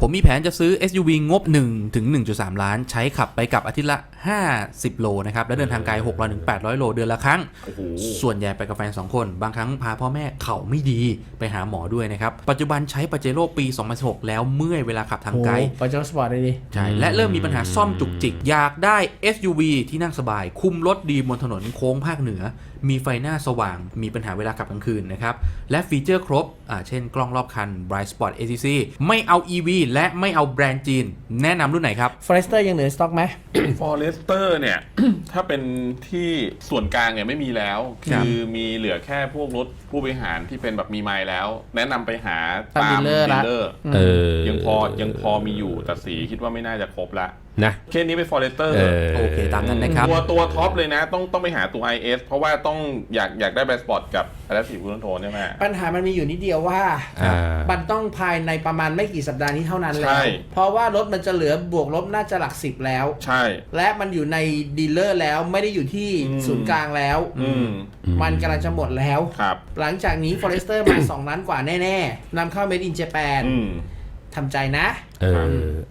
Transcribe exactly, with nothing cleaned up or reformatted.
ผมมีแผนจะซื้อ เอส ยู วี งบหนึ่งถึงหนึ่งจุดสาม ล้านใช้ขับไปกับอาทิตย์ละห้าสิบโลนะครับและเดินทางไกลหกร้อยถึงแปดร้อยโลเดือนละครั้งส่วนใหญ่ไปกับแฟนสองคนบางครั้งพาพ่อแม่เข่าไม่ดีไปหาหมอด้วยนะครับปัจจุบันใช้ปาเจโร่ปีสองพันสิบหกแล้วเมื่อยเวลาขับทางไกลปาเจโร่สปอร์ตเลยดิใช่และเริ่มมีปัญหาซ่อมจุกจิกอยากได้ เอส ยู วี ที่นั่งสบายคุมรถดีบนถนนโค้งภาคเหนือมีไฟหน้าสว่างมีปัญหาเวลาขับกลางคืนนะครับและฟีเจอร์ครบอ่าเช่นกล้องรอบคัน Bright Spot เอ ซี ซี ไม่เอา อี วี และไม่เอาแบรนด์จีนแนะนำรุ่นไหนครับ Forester ยังเหลือสต็อกไหม Forester เนี่ย ถ้าเป็นที่ส่วนกลางเนี่ยไม่มีแล้ว คือมีเหลือแค่พวกรถผู้บริหารที่เป็นแบบมีไมล์แล้ว แนะนำไปหาตามดีลเลอร์เออยังพอยังพอมีอยู่แต่สีคิดว่าไม่น่าจะครบละนะเคสนี้เป็น Forester โอเคตามนั้นนะครับตัวตัวท็อปเลยนะต้องต้องไปหาตัว ไอ เอส เพราะว่าต้องอยากอยากได้แบรนด์สปอร์ตกับ Adaptive Cruise Control ใช่ไหมปัญหามันมีอยู่นิดเดียวว่ามันต้องภายในประมาณไม่กี่สัปดาห์นี้เท่านั้นแล้วเพราะว่ารถมันจะเหลือบวกลบน่าจะหลักสิบแล้วใช่และมันอยู่ในดีลเลอร์แล้วไม่ได้อยู่ที่ศูนย์กลางแล้วมันกำลังจะหมดแล้วหลังจากนี้ Forester มา สองล้านกว่าแน่ๆนำเข้า Made in Japan ทำใจนะเออ